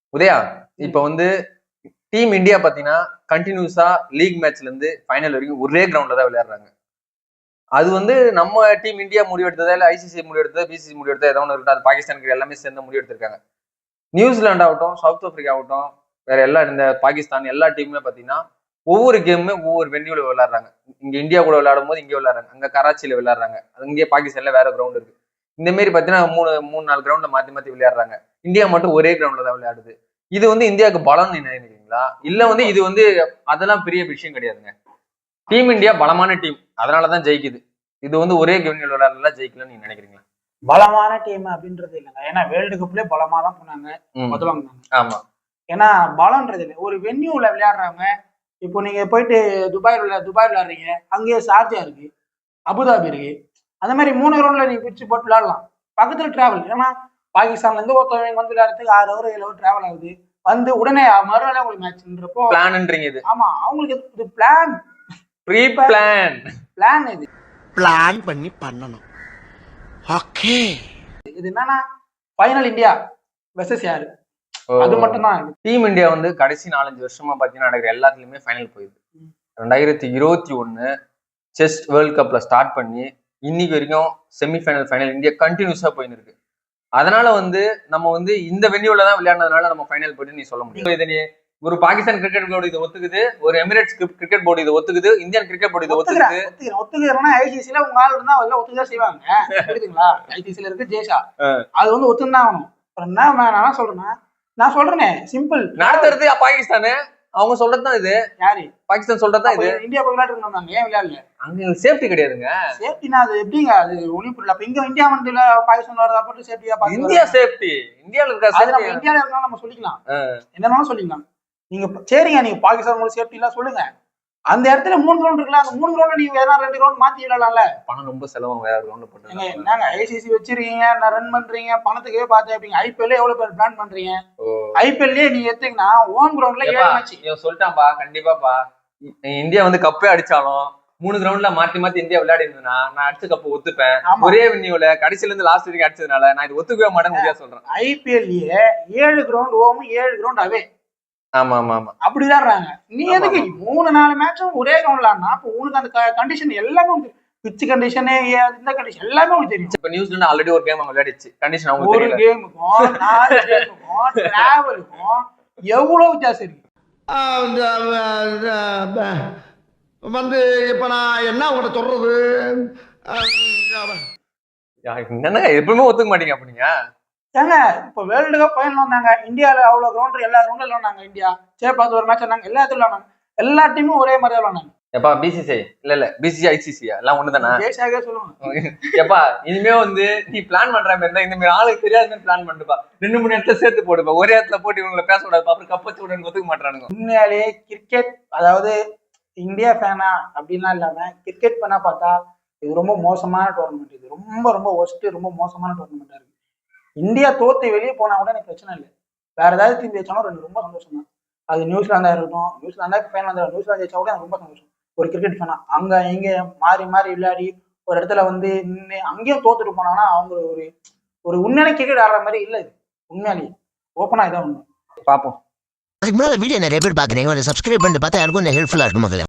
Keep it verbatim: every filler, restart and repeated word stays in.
உதயா இப்ப வந்து team India பாத்தீங்கன்னா கண்டினியூஸா லீக் மேட்ச்ல இருந்து ஃபைனல் வரைக்கும் ஒரே கிரவுண்ட்ல தான் விளையாடுறாங்க. அது வந்து நம்ம டீம் இந்தியா முடிவெடுத்ததா இல்ல ஐசிசி முடிவெடுத்ததா பிசிசி முடிவெடுத்தா ஏதோ ஒன்று இருக்கட்டும், அது பாகிஸ்தானுக்கு எல்லாமே சேர்ந்து முடிவெடுத்திருக்காங்க. நியூசிலாந்து ஆகட்டும், சவுத் ஆப்பிரிக்கா ஆகட்டும், வேற எல்லா இந்த பாகிஸ்தான் எல்லா டீமுமே பாத்தீங்கன்னா ஒவ்வொரு கேமுமே ஒவ்வொரு வென்யூல விளையாடுறாங்க. இங்க இந்தியா கூட விளையாடும் போது இங்கே விளையாடுறாங்க, அங்க கராச்சியில விளையாடுறாங்க, இங்கே பாகிஸ்தான்ல வேற கிரவுண்ட் இருக்கு. இந்த மாதிரி பாத்தீங்கன்னா மூணு மூணு நாலு கிரவுண்ட்ல மாத்தி மாத்தி விளையாடுறாங்க. இந்தியா மட்டும் ஒரே கிரவுண்ட்ல தான் விளையாடுது. இது வந்து இந்தியாவுக்கு பலம் நினைக்கிறீங்களா? இல்ல வந்து இது வந்து அதெல்லாம் பெரிய விஷயம் கிடையாதுங்க. டீம் இந்தியா பலமான டீம், அதனாலதான் ஜெயிக்குது. இது வந்து ஒரே கிரவுண்ட்ல விளையாடுறதுல ஜெயிக்கலன்னு நீங்க நினைக்கிறீங்களா? பலமான டீம் அப்படின்றது இல்லைங்க. ஏன்னா வேர்ல்டு கப்லயே பலமா தான் போனாங்க, முதல்வாங்க. ஆமா, ஏன்னா பலம்ன்றது இல்லை. ஒரு வென்யூல விளையாடுறாங்க. இப்போ நீங்க போயிட்டு துபாய் விளையா துபாய் விளையாடுறீங்க, அங்கேயே ஷார்ஜா இருக்கு, அபுதாபி இருக்கு. அந்த மாதிரி மூணு கிரவுண்ட்ல நீங்க பிரிச்சு போட்டு விளையாடலாம். பக்கத்துல டிராவல், ஏன்னா பாகிஸ்தான்ல இருந்து ஒருத்தவங்க வந்து விளையாடுறதுக்கு ஆறு ஹவர் ஏழு ஹவர் டிராவல் ஆகுது. வந்து உடனே மறுநாளே உங்களுக்கு மேட்ச்ன்றப்போ பிளான்ன்றீங்க இது. ஆமா, அவங்களுக்கு இது பிளான், ப்ரீ பிளான் பிளான் இது பிளான் பண்ணி பண்ணணும். ஓகே, இது என்னன்னா ஃபைனல் இந்தியா வெர்சஸ் யாரு, அது மட்டும் தான். டீம் இந்தியா வந்து கடைசி நாலஞ்சு வருஷமா பாத்தீங்கன்னா நடக்கிற எல்லாத்துலயுமே ஃபைனல் போயிடுது. ரெண்டாயிரத்தி இருபத்தி ஒண்ணு செஸ் வேர்ல்ட் கப்ல ஸ்டார்ட் பண்ணி இன்னைக்கு வரைக்கும் செமிஃபைனல் ஃபைனல் இந்தியா கண்டினியூஸா போயின்னு இருக்கு. அதனால வந்து நம்ம வந்து இந்த வென்யூல தான் விளையாடுறதுனால நம்ம ஃபைனல் போயிட்டு நீ சொல்ல முடியும். இதை நீ ஒரு பாகிஸ்தான் கிரிக்கெட் போர்டு இதை ஒத்துக்குது, ஒரு எமிரேட்ஸ் கிரிக்கெட் போர்டு இதை ஒத்துக்குது, இந்தியன் கிரிக்கெட் போர்டு இதை ஒத்துக்குது. ஒத்துக்கிறேன்னா ஐசிசில உங்க ஆள் இருந்தா அதெல்லாம் ஒத்துதான் செய்வாங்க. புரியுதுங்களா? ஐசிசில இருக்கு ஜேஷா, அது வந்து ஒத்துதான் ஆகணும். என்ன நான் சொல்றேன்னா, நான் சொல்றேனே சிம்பிள், நடத்துறது பாகிஸ்தானு, அவங்க சொல்றதுதான் இது. யாரு? பாகிஸ்தான் சொல்றதுதான் இது. இந்தியா போய் விளையாட்டு இருந்தாங்க, ஏன் விளையாடல? அங்க சேஃப்டி கிடையாதுங்க. சேஃப்டினா அது எப்படிங்க? அது ஒன்னும் புரியல. அப்ப இங்க இந்தியா மண்டில பாகிஸ்தான் வரதா போட்டு சேஃப்டியா பாத்து இந்தியா சேஃப்டி, இந்தியால இருக்க அது நம்ம இந்தியால இருந்தாலும் நம்ம சொல்லிக்கலாம், என்னன்னாலும் சொல்லிக்கலாம். நீங்க சரிங்க, நீங்க பாகிஸ்தான் உங்களுக்கு சேஃப்டி எல்லாம் சொல்லுங்க. அந்த இடத்துல மூணு கிரவுண்ட் இருக்குல்ல, அந்த மூணு கிரவுண்ட்ல நீங்க வேற ரெண்டு கிரவுண்ட் மாத்தி விடலாம்ல. பணம் ரொம்ப செலவு, வேற கிரவுண்ட் போட்டு என்னங்க ஐசிசி வச்சிருக்கீங்க, நான் ரன் பண்றீங்க, பணத்துக்கே பாத்து வைப்பீங்க. ஐபிஎல் எவ்வளவு பேர் பிளான் பண்றீங்க? ஐபிஎல்லே நீங்க எடுத்தீங்கன்னா ஹோம் கிரவுண்ட்ல ஏழு மேட்ச். இவன் சொல்லிட்டான்பா, கண்டிப்பாப்பா இந்தியா வந்து கப்பே அடிச்சாலும் மூணு கிரவுண்ட்ல மாத்தி மாத்தி இந்தியா விளையாடி இருந்ததுன்னா நான் அடிச்ச கப்ப ஒத்துப்பேன். ஒரே வென்யூல கடைசில இருந்து லாஸ்ட் வரைக்கும் அடிச்சதுனால நான் இது ஒத்துக்கவே மாட்டேன்னு சொல்றேன். ஐபிஎல்லே ஏழு கிரவுண்ட் ஹோம், ஏழு கிரவுண்ட் அவே. ஆமா ஆமா ஆமா, அப்படி விளையாடுறாங்க. நீ எதுக்கு மூணு நாலு மேட்சும் ஒரே கிரவுண்ட்லான்னா அப்ப உனக்கு அந்த கண்டிஷன் எல்லாமே பிட்ச் கண்டிஷன், இந்த கண்டிஷன் எல்லாமே உங்களுக்கு தெரியும். இப்ப நியூசிலாந்து ஆல்ரெடி ஒரு கேம் அவங்க விளையாடிச்சு, கண்டிஷன் அவங்க ஒரு கேமுக்கும் நாலு கேமுக்கும் டிராவலுக்கும் எவ்வளவு வித்தியாசம் இருக்கு வந்து. இப்ப நான் என்ன உங்கள்கிட்ட சொல்றது, என்னன்னா எப்பவுமே ஒத்துக்க மாட்டீங்க அப்படிங்க. ஏங்க இப்ப வேர்ல்டு கப் ஃபைனல் வந்தாங்க, இந்தியால அவ்வளவு கிரவுண்ட் எல்லா கிரவுண்ட்ல விளையாடுனாங்க. இந்தியா சேப்பாத்து ஒரு மேட்ச் வந்தாங்க, எல்லா இடத்துல விளையாடுனாங்க. எல்லா டீமும் ஒரே மாதிரி விளையாடுனாங்க. எப்பா பிசிசி இல்ல இல்ல பிசிசி ஐசிசியா எல்லாம் ஒண்ணுதானே? ஜெய்சாகே சொல்லுவாங்க. எப்பா இனிமே வந்து நீ பிளான் பண்ற மாதிரி இருந்தா இந்த மாதிரி ஆளுக்கு தெரியாத மாதிரி பிளான் பண்ணுப்பா. ரெண்டு மூணு இடத்துல சேர்த்து போடுப்பா, ஒரே இடத்துல போட்டு இவங்களை பேச விடாது, அப்புறம் கப்பச்சு உடனே ஒத்துக்க மாட்டானுங்க. உண்மையாலே கிரிக்கெட், அதாவது இந்தியா ஃபேனா அப்படின்லாம் இல்லாம கிரிக்கெட் ஃபேனா பார்த்தா இது ரொம்ப மோசமான டோர்னமெண்ட். இது ரொம்ப ரொம்ப ஒஸ்ட், ரொம்ப மோசமான டோர்னமெண்டா இருக்கு. இந்தியா தோத்து வெளியே போனா கூட எனக்கு பிரச்சனை இல்லை, வேற ஏதாவது டீம் ஜெயிச்சாலும் ரெண்டு ரொம்ப சந்தோஷம் தான். அது நியூசிலாந்தா இருக்கட்டும், நியூசிலாந்தா ஃபேன் வந்தா நியூசிலாந்து ஜெயிச்சா கூட எனக்கு ரொம்ப சந்தோஷம். ஒரு கிரிக்கெட் ஃபேனா அங்க இங்க மாறி மாறி விளையாடி ஒரு இடத்துல வந்து நின்று அங்கேயும் தோத்துட்டு போனாங்கன்னா அவங்க ஒரு ஒரு உண்மையான கிரிக்கெட் ஆடுற மாதிரி இல்லை. இது உண்மையாலேயே ஓப்பனா இதான் உண்மை. பார்ப்போம். அதுக்கு முன்னாடி வீடியோ நிறைய பேர் பாக்குறீங்க, சப்ஸ்கிரைப் பண்ணிட்டு பார்த்தா யாருக்கும் ஹெல்ப்ஃபுல்லா இருக்கும். முதல்ல